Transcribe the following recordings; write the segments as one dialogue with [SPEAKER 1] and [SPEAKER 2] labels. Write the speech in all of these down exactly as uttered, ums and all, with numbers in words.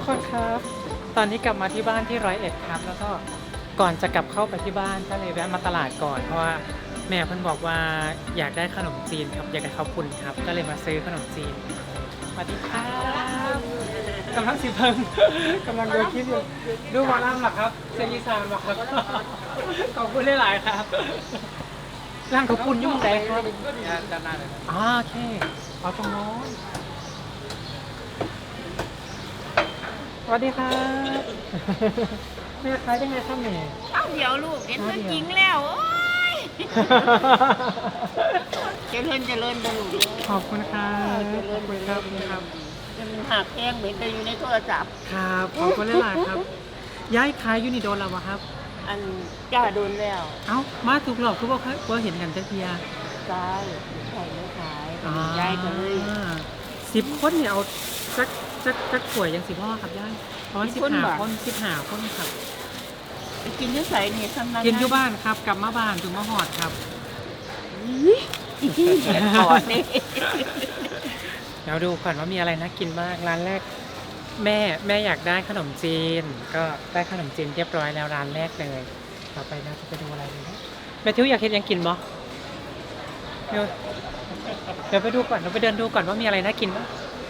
[SPEAKER 1] คนครับตอนนี้กลับมาที่บ้านที่ร้อยเอ็ดครับแล้วก็ก่อนจะกลับเข้าไปที่บ้านก็เลยแวะมาตลาดก่อนเพราะว่าแม่เพิ่นบอกว่าอยากได้ขนมจีนครับอยากได้ข้าวปุ้นครับก็เลยมาซื้อขนมจีนสวัสดีครับกำลังสิเพิ่งกำลังดูคลิปอยู่ดูหมอลำหรอครับเซนีซานหรอครับขอบคุณหลายๆครับร่างข้าวปุ้นยุ่งแดงครับด้านหน้าเลยอ๋อโอเคเอาตรงโน้นสวัสดีครับแม่ขายได้ไงครับแม่
[SPEAKER 2] เอาเดี๋ยวลูกเห็นมันจริงแล้วโอ้ยเจริญเจริญเจริญ
[SPEAKER 1] ขอบคุณครับ
[SPEAKER 2] เจริญ
[SPEAKER 1] ขอบ
[SPEAKER 2] เจ
[SPEAKER 1] คุณค
[SPEAKER 2] ริ
[SPEAKER 1] รับ
[SPEAKER 2] ญมันหักแห้งเหมือนแต่อยู่ในโทรศัพท์
[SPEAKER 1] ครับขอบคุณหลายๆครับย้ายขายยูนิโดนแล้ววะครับ
[SPEAKER 2] อันจ้าโดนแล้ว
[SPEAKER 1] เอ้ามาถูกหลอกทุกคนเคยเห็นกันจักเทีย
[SPEAKER 2] ซ้ายใส่ไม่ขายยายก็เลย
[SPEAKER 1] สิบคนเนี่ยเอาจักจักจักป่วยยังสิพ่อครับย่ายร้อยสิบห้าคนสิบห้าคนครับ
[SPEAKER 2] ไปกินที่ใส่เนี่ยทำนั้น
[SPEAKER 1] กินอยู่บ้านครับกลับมาบ้านถึงมาหอดครับ
[SPEAKER 2] อีกที่แหนก่อนนี่
[SPEAKER 1] เดี๋ยวดูก่อนว่ามีอะไรน่ากินบ้างร้านแรก แม่แม่อยากได้ขนมจีน ก็ได้ขนมจีนเรียบร้อยแล้วร้านแรกเลยต่อไปเราจะไปดูอะไรดีนะแม่ทิวอยากเห็นยังกินบ่เดี๋ยวเดี๋ยวไปดูก่อนเราไปเดินดูก่อนว่ามีอะไรน่ากินบ้าง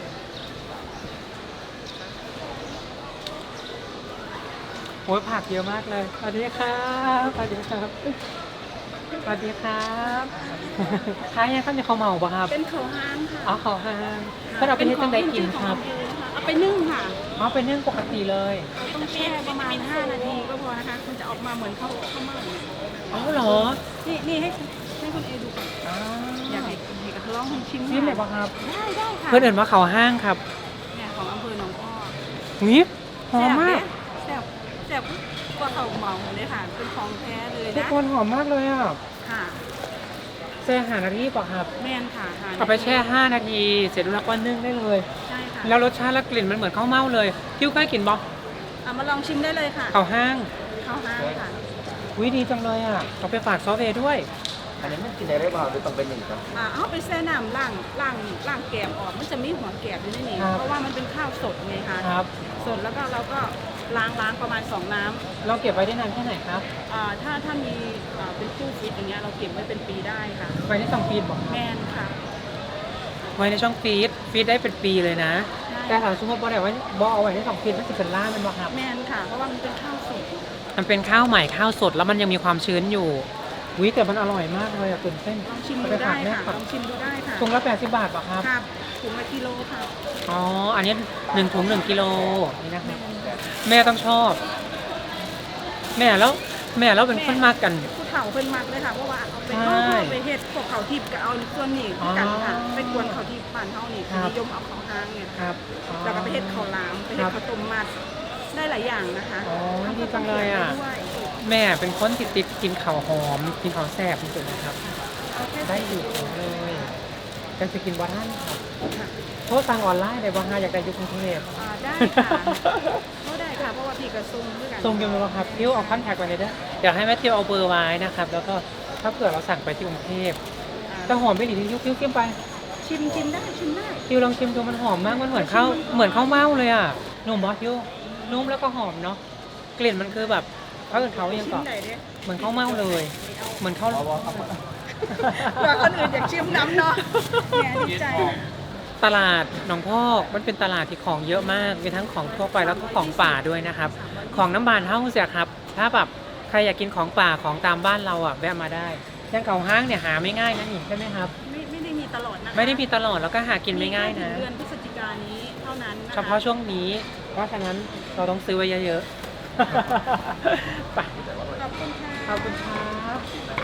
[SPEAKER 1] โอ้ยผักเยอะมากเลยสวัสดีครับสวัสดีครับสวัสดีครับท้ายยังข้าวเหนียวข้าวเมาปะครับ
[SPEAKER 3] เป็นเขาห้างค่ะ
[SPEAKER 1] อ๋อข้าวห้างก็เอาไปให้จังได้กินครับ
[SPEAKER 3] เอาไปนึ่งค่ะ
[SPEAKER 1] อ๋อเป็นเรื่องปกติเลย
[SPEAKER 3] เราต้องแช่ประมาณห้านาทีก็พอนะคะ มันจะออกมาเหมือนข้าวข้าวเม่าเนี่ย
[SPEAKER 1] อ๋อเหรอ
[SPEAKER 3] นี่นี่ให้ให้คุณเอดูก่อน
[SPEAKER 1] อ๋อ
[SPEAKER 3] อยากให้ให้กับลองให้ชิม
[SPEAKER 1] นี่เลยปะครับ
[SPEAKER 3] ได้ได้ค่ะ
[SPEAKER 1] เพื่อนเอินว่าเขาห้างครับ
[SPEAKER 3] เนี่ยของอำเภอหนองอ้อ
[SPEAKER 1] นี่หอมมาก
[SPEAKER 3] แซ่บแซ่บกว่าเขาวเหมาเลยค่ะ เป็นของแท้เลย
[SPEAKER 1] ทุก
[SPEAKER 3] นะ
[SPEAKER 1] คนหอมมากเลยอ่ะ
[SPEAKER 3] ค่ะ
[SPEAKER 1] แช่หานาทีป่ะครับ
[SPEAKER 3] แม่นค่ะห
[SPEAKER 1] เอาไปแช่ห้านาที เสร็จแล้วก็นึ่งได้เลย
[SPEAKER 3] ใช่ค่ะ
[SPEAKER 1] แล้วรสชาติและกลิ่นมันเหมือนข้าวเม่าเลยคิ้วใกล้กินบ่
[SPEAKER 3] เอามาลองชิมได้เลยค่ะ
[SPEAKER 1] เขาห้าง
[SPEAKER 3] ข้าวห้างค่ะ
[SPEAKER 1] วิดีจังเลยอ่ะเอาไปฝากซอฟเวย์ด้วย
[SPEAKER 4] อันนี้มันกินได้หรือเปล่าหรือต้องเป็นอย่างนี้ครับ
[SPEAKER 3] อ่าเอาไปแช่น้ำล้างล้างล้างแกมออก มันจะมีหัวแกมอยู่ในนี้เพราะว่ามันเป็นข้าวสดไงคะ
[SPEAKER 1] ครับ
[SPEAKER 3] สดแล้วก็เราก็ล้างล้างประมาณสองน้ำ
[SPEAKER 1] เราเก็บไว้ได้นานแค่ไหนครับ
[SPEAKER 3] อ่าถ้าถ้ามีอ่าเป็นตู้ฟิตอย่างเงี้ยเราเก็บไว้เป็นปีได้ค่ะ
[SPEAKER 1] ไว้ในสองปีบอกครับ
[SPEAKER 3] แมนค่ะ
[SPEAKER 1] ไว้ในช่องฟีดฟีดได้เป็นปีเลยนะ
[SPEAKER 3] ใช่
[SPEAKER 1] แต่ถามสมมติว่าไว้บอเอาไว้ในสองฟีดมันจะเป็นล่ามันบ่ครับ
[SPEAKER 3] แมนค่ะ เพราะว่ามันเป็นข้าวสด
[SPEAKER 1] มันเป็นข้าวใหม่ข้าวสดแล้วมันยังมีความชื้นอยู่วิแต่มันอร่อยมากเลยอ่ะตื่นเต้น
[SPEAKER 3] ลองชิม
[SPEAKER 1] เอา
[SPEAKER 3] ดู
[SPEAKER 1] ไปฝา
[SPEAKER 3] ได้
[SPEAKER 1] กแม่
[SPEAKER 3] ค่ะ
[SPEAKER 1] ก่อน
[SPEAKER 3] ลองชิมดูได้ค่ะ
[SPEAKER 1] ถุงละแปดสิบบาทป่ะครับ
[SPEAKER 3] ครับถุงละกิโลค่ะ
[SPEAKER 1] อ๋อ อันนี้หนึ่งถุงหนึ่งกิโลนี่นะค
[SPEAKER 3] แม
[SPEAKER 1] รับ
[SPEAKER 3] น
[SPEAKER 1] แม่ต้องชอบ แม่แล้วแม่แล้วเป็นคนมากกัน
[SPEAKER 3] ผู้เฒ่าเพิ่นมักเลยค่ะ เพราะว่าเอาไป
[SPEAKER 1] ใช่
[SPEAKER 3] เอาไปเฮ็ดพวกเขาทิพย์ก็เอาส่วนนี้คือกันค่ะ
[SPEAKER 1] อ๋อ
[SPEAKER 3] ไปกวนเขาทิพย์บ้านเฮานี่
[SPEAKER 1] ครับ
[SPEAKER 3] นิยมเอาเขาห้างเนี่ย
[SPEAKER 1] ครับอ๋อ
[SPEAKER 3] แล้วก็ไปเฮ็ดข้าวหลามไปเฮ็
[SPEAKER 1] ครั
[SPEAKER 3] ด
[SPEAKER 1] บ
[SPEAKER 3] ข้าวต้มมัดได้หลายอย่างนะคะ
[SPEAKER 1] อ๋อดีจังเลยอ่ะ
[SPEAKER 3] ด้วย
[SPEAKER 1] แม่เป็นคนติดติดกินข้าวหอม กินข้าวแซ่บจริงๆนะครับ
[SPEAKER 3] เอาแค่
[SPEAKER 1] ได้
[SPEAKER 3] สี่
[SPEAKER 1] อยู่เลยจะจะกินวัฒนครับ
[SPEAKER 3] ค่ะ
[SPEAKER 1] โทษสั่งออนไลน์ได้บ้างฮะอยากได้อยุกรุงเทพ
[SPEAKER 3] อ่าได้ค่ะก็ได้ค่ะ เพราะว่าพี่กระซุงด้วยกัน
[SPEAKER 1] ส่งยังไงบ้างครับทิวเอาคอนแทคไว้เลยเด้อเดี๋ยวให้แม่ทิวเอาเบอร์ไว้นะครับ แล้วก็ถ้าเผื่อเราสั่งไปที่กรุงเทพ
[SPEAKER 3] อ่า
[SPEAKER 1] แต่หอมไม่หลีทิวทิวชิมไป
[SPEAKER 3] ชิมชิมได้ชิมได้
[SPEAKER 1] ทิวลองชิมดูมันหอมมากมันเหมือนข้าวเหมือนข้าวเม่าเลยอ่ะนุ่มบอสทิวนุ่มแล้วก็หอมเนาะกลิ่นมันคือแบบเขาอื่นเขายัง
[SPEAKER 3] ชิ
[SPEAKER 1] เกาะ
[SPEAKER 3] มไหนเด้
[SPEAKER 1] เหมือนข้าวเม่าเลย เหมือนข้าว
[SPEAKER 3] เผื่อคนอื่นอยากชิมน้ำเนาะแหมดีใจ
[SPEAKER 1] ตลาดหนองพอกมันเป็นตลาดที่ของเยอะมากมีทั้งของทั่วไปแล้วก็ของป่าด้วยนะครับ ของน้ำบานเฮ้าเสียครับ ถ้าแบบใครอยากกินของป่าของตามบ้านเราอ่ะแวะมาได้ย่างเก่าห้างเนี่ยหาไม่ง่ายนะนี่ใช่ไหมครับ
[SPEAKER 3] ไม่ไม่ได้มีตลอดนะคะ
[SPEAKER 1] ไม่ได้มีตลอดแล้วก็หากินไม่ง่ายนะ
[SPEAKER 3] มีแค่ถึงเดือนพฤศจิกายนนี้เท่านั้นนะคะ
[SPEAKER 1] เฉพาะช่วงนี้เพราะฉะนั้นเราต้องซื้อไว้เยอะๆ ไป
[SPEAKER 3] ขอบคุณค่ะ
[SPEAKER 1] ขอบคุณครับ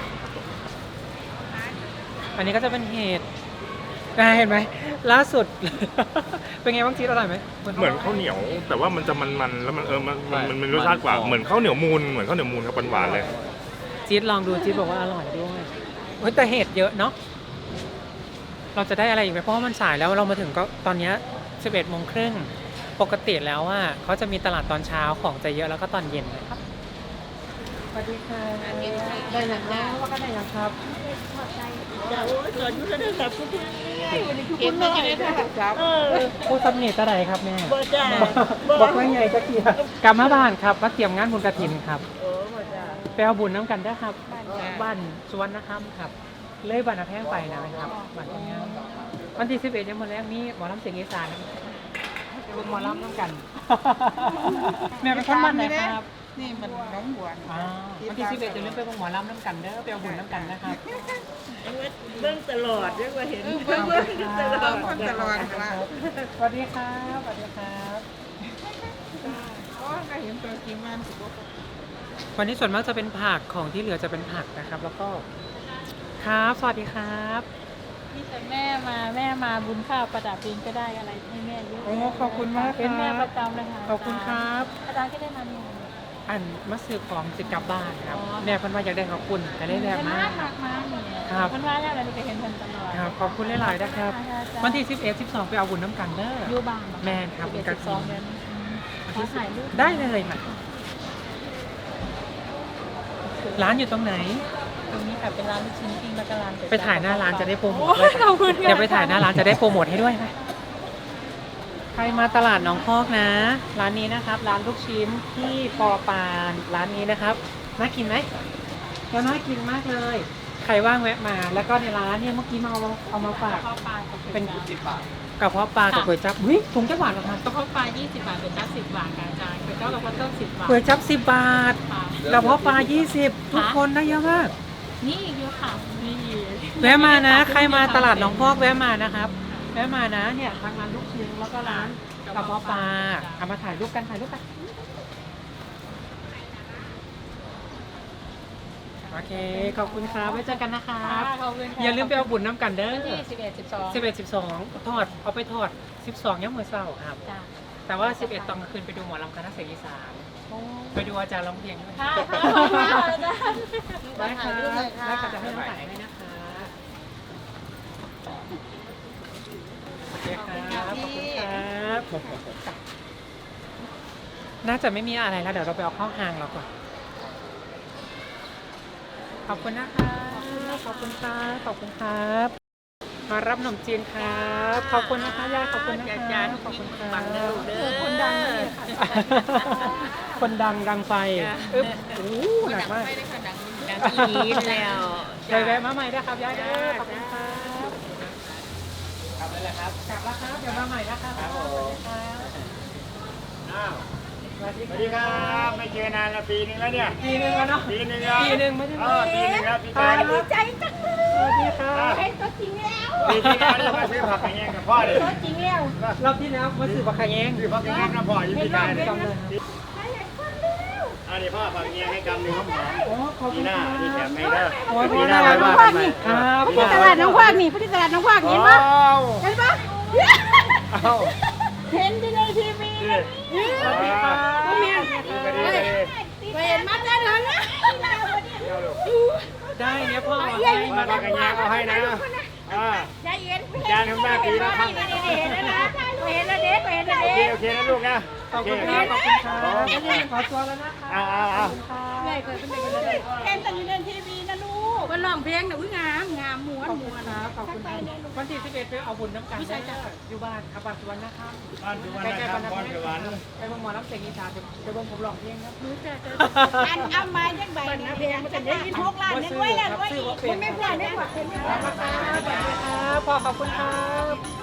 [SPEAKER 1] อันนี้ก็จะเป็นเห็ดได้เห็นไหมล่าสุด เป็นไงบ้างจีดอร่อยไหม
[SPEAKER 5] เหมือนข้าวเหนียว แต่ว่ามันจะมันๆแล้วมันเออมันมันมันมันรสชาติกว่าเหมือนข้าวเหนียวมูนเหมือนข้าวเหนียวมูนครับหวานๆเลย
[SPEAKER 1] จีดลองดูจีดบอกว่าอร่อยด้วยเฮ้ยแต่เห็ดเยอะเนาะเราจะได้อะไรอีกไหมเพราะว่ามันสายแล้วเรามาถึงก็ตอนเนี้สิบเอ็ดโมงครึ่งปกติแล้วอ่ะเขาจะมีตลาดตอนเช้าของจะเยอะแล้วก็ตอนเย็นนะครับสวัสดีค่ะได้ยังนะว่าก็ได้ยังครับ
[SPEAKER 2] เก็บมาจะได้ครับ
[SPEAKER 1] ผู้สำเนียงอะไรครับแม่
[SPEAKER 2] บ่จ้า
[SPEAKER 1] บอกว่าไงจะเกียร์กลับมาบ้านครับมาเตรียมงานบุญกฐินครับ
[SPEAKER 2] โอ้บ่จ้า
[SPEAKER 1] ไปเอาบุญน้ำกันได้อครับบ้านสวนนะครับครับ เลยบ้านอาแพงไปนะครับบ้านงานวันที่สิบเอ็ดยังหมดแล้วมีหมอลำเสียงอีสานเป็นหมอลำน้ำกัน แม่เป็นคนบ้านไหนครับ
[SPEAKER 2] นี่มันน้องบัว
[SPEAKER 1] อ่าวันที่สิบเอ็ดจะเริ่มไปเบิ่งหมอลำน้ำกันเด้อไปเอาบุญน้ำกันนะครับ
[SPEAKER 2] เบิ่งตลอดเรียกว่าเห็นเบิ่งตลอดคนตลอดว่า
[SPEAKER 1] สวัสดีครับสวัสดีครับ
[SPEAKER 2] อ๋อก็เห็นตัวจริงมันสิบ่
[SPEAKER 1] วันนี้ส่วนมากจะเป็นผักของที่เหลือจะเป็นผักนะครับ แล้วก็ครับสวัสดีครับ
[SPEAKER 6] นี่แต่แม่มาแม่มาบุญข้าวประดับเองก็ได้อะไรให้แม่เยอะ
[SPEAKER 1] โอ้ขอบคุณมากค
[SPEAKER 6] เป็นแม่
[SPEAKER 1] รั
[SPEAKER 6] ป
[SPEAKER 1] บ
[SPEAKER 6] ระจำเลยค่ะ
[SPEAKER 1] ขอบคุณครับ
[SPEAKER 6] อาจารย์ก็ได้มาเนี่ย
[SPEAKER 1] อันมาซื้อของสิกลับบ้านครับแม่เพิ่นว่าอยากได้ขอบคุณก็ได้แรงมาก
[SPEAKER 6] มากมากเนี่ย
[SPEAKER 1] ครับ
[SPEAKER 6] คนว่าแล้วอะไรก็เห็นเพิ่นตลอด
[SPEAKER 1] ครับขอบคุณหลายๆนะครับ วันที่สิบเอ็ด สิบสองไปเอาบุญน้ำกันเด้อ
[SPEAKER 6] อยู่บ้าน
[SPEAKER 1] แม่นครับ
[SPEAKER 6] สิบเอ็ดสิบสองเดือนขอถ่ายรูป
[SPEAKER 1] ได้เลยค่ะร้านอยู่ตรงไหน
[SPEAKER 6] ตรงนี้ค่ะเป็นร้านลูกชิ้นปิ้งแล้วก็ร้านก๋ว
[SPEAKER 1] ไปถ่ายหน้าร้านจะได้โปรโมท
[SPEAKER 6] โอ้
[SPEAKER 1] ด้วย
[SPEAKER 6] ยขอบคุณค่ะ
[SPEAKER 1] เดี๋ยวไปถ่ายหน้าร้านจะได้โปรโมทให้ด้วยค่ะใครมาตลาดหนองพอกนะ ร้านนี้นะครับ ร้านลูกชิ้นที่ปอปานร้านนี้นะครับน่ากินไหมก็น่ากินมากเลย ใครว่างแวะมา แล้วก็ในร้านเนี่ยเมื่อกี้มาเอาเอามาฝาก
[SPEAKER 6] ข้าวปลากับ
[SPEAKER 1] เป็น
[SPEAKER 6] สิบบาท
[SPEAKER 1] กระเพาะปลากับก๋วยจั๊บหุ้ยถุงจะหวานเหรอครับ
[SPEAKER 6] กระเพาะปลายี่สิบบาทเป็นจ้าสิบบาทค่ะอาจารย์เป็นเจ้ากระเพาะต้มสิบบาท
[SPEAKER 1] ก๋วยจั๊บสิบบาท
[SPEAKER 6] ค่ะ
[SPEAKER 1] กระเพาะปลายี่สิบทุกคนได้เยอะมาก
[SPEAKER 6] นี่อีกเยอะค่ะนี่
[SPEAKER 1] แวะมานะ ใครมาตลาดหนองพอกแวะมานะครับ แวะมานะเนี่ยทางร้านลูกชิ้นแล้วก็ร้านกระเพาะปลาเอามาถ่ายรูปกันถ่ายรูปกันโอเคขอบคุณครับไว้เจอกันนะครับ
[SPEAKER 6] ขอบคุณค่ะ
[SPEAKER 1] อย่าลืมไปเอาบุญน้ำกันเด้อ
[SPEAKER 6] วันที่สิบเอ็ดสิบสอง
[SPEAKER 1] สิบเอ็ดสิบสองทอดเอาไปทอดสิบสองย่ำมือเศร้าครับ
[SPEAKER 6] จ้า
[SPEAKER 1] แต่ว่าสิบเอ็ดตอนกลางคืนไปดูหมอลำคณะเสียงอีสานไปดูอาจารย์ร้องเพลงด้วย
[SPEAKER 6] ค่ะค่ะขอบคุณค่ะอาจารย์
[SPEAKER 1] ได้ค่ะ
[SPEAKER 6] ถ่ายรูปเลยค่ะ
[SPEAKER 1] ได้ค่ะจะให้น้องถ่ายให้นะคะโอเคครับขอบคุณครับน่าจะไม่มีอะไรแล้วเดี๋ยวเราไปเอาเข้าห้างเราก่อนขอบคุณนะคะขอบคุณครับขอบคุณครับ มารับขนมจีนครับ ขอบคุณนะคะยายขอบคุณนะคะขอบคุณครับ
[SPEAKER 2] คนดังเลย
[SPEAKER 1] คนดังดังไฟอึ๊บโอ้หนักมาก
[SPEAKER 2] ดังอีนแล้ว
[SPEAKER 1] ยายแวะมาใหม่ด้วยครับยายเด้อขอบคุณครับกลับเลยครับกลับแล้วครับเดี๋ยวมาใหม่นะครับครับผมอ้าวสวัสดี
[SPEAKER 7] สวัสดีครับไม่เจอนานละปีนึงแล้วเนี่ย
[SPEAKER 1] ปีหนึ่งแล้วเนาะ
[SPEAKER 7] ปีนึงแล้ว
[SPEAKER 1] ปีหนึ่งไม่ได้
[SPEAKER 7] เออปีนึงแล้วปี
[SPEAKER 1] ค
[SPEAKER 7] กา
[SPEAKER 1] รั
[SPEAKER 7] ย
[SPEAKER 1] บใจจังเลยสวัสดีครับ
[SPEAKER 7] ปีที่แล้วเนี่ยมาซื้อผักอย่างเงี้ยกับพ่อเลย
[SPEAKER 1] รอบที่แล้วมาสื่อบักขะแยง
[SPEAKER 7] ซื้อผักอย่างเงี้ยกับพ่อยี่ปีกายเลย
[SPEAKER 1] จำเลย
[SPEAKER 7] อันนี้พ่อผักอย่างเงี้ยให้กำหนึ่งข้าวหอม
[SPEAKER 1] โอ้ขอบ
[SPEAKER 7] ปี
[SPEAKER 1] คุณ
[SPEAKER 7] หน้า
[SPEAKER 1] ครับ
[SPEAKER 7] นี่แถมให้เด้อ
[SPEAKER 1] โอ้ย
[SPEAKER 7] ปีหน้าไว้ว่ากันใหม่
[SPEAKER 1] ครับ
[SPEAKER 7] ที่ตลาดน้อง
[SPEAKER 3] ภาคนี่พุทธิตลาดน้องภาค
[SPEAKER 7] เห็
[SPEAKER 3] เห็
[SPEAKER 7] น
[SPEAKER 3] น
[SPEAKER 7] ปะ
[SPEAKER 3] ปะเห็นปะ
[SPEAKER 7] เอ้า
[SPEAKER 3] เห็นที่ในทีวี
[SPEAKER 7] นี่
[SPEAKER 1] สวัสดีครับ
[SPEAKER 7] ดีไปดีไปดี
[SPEAKER 3] เห็นมาได้เลยนะ
[SPEAKER 1] ได้เนี่ยพ่อ
[SPEAKER 7] มาผักอย่างเงี้ยเอาให้นะอ่า
[SPEAKER 3] ใจเย็น
[SPEAKER 7] จานทำหน้าปีละครั้ง
[SPEAKER 3] เห็นแล้วนะเห็นแล้วเด็กเห็นแล้ว
[SPEAKER 7] โอเค
[SPEAKER 3] เด็ก
[SPEAKER 7] โอเคนะลูกนะ
[SPEAKER 1] ขอบคุณครับขอบคุณครับขอตัวแล้วนะคะ
[SPEAKER 7] เอาเอาเอา
[SPEAKER 3] ใหญ่เกิดเป็นเด็กเลยเห็นแต่อยู่ในทีวีนะลูกมันร้องเพลงนะอุ้ยงามงามม้วน
[SPEAKER 1] ขอบคุ
[SPEAKER 3] ม้
[SPEAKER 1] ณ
[SPEAKER 3] วน
[SPEAKER 1] ครับขอบคุณครับวันที่สิบเอ็ดไปเอาบุญน้ำกันได้อยู่บ้านอาบานสุวรรณนะครับ
[SPEAKER 7] บ้านสุวรรณนะครับบ้านสุวรรณ
[SPEAKER 1] ไปบงหมอรับเสียงอีสานเดี๋ยวบงผมร้องเพลงครับ
[SPEAKER 3] อันเอามาจังใบนะเพลงมันจะได้ยินพวกร้านนี่ด้วยนะด้วยอีกไม่พลาดไม่พลาดไม่พลาด
[SPEAKER 1] ครับพ่อขอบคุณครับ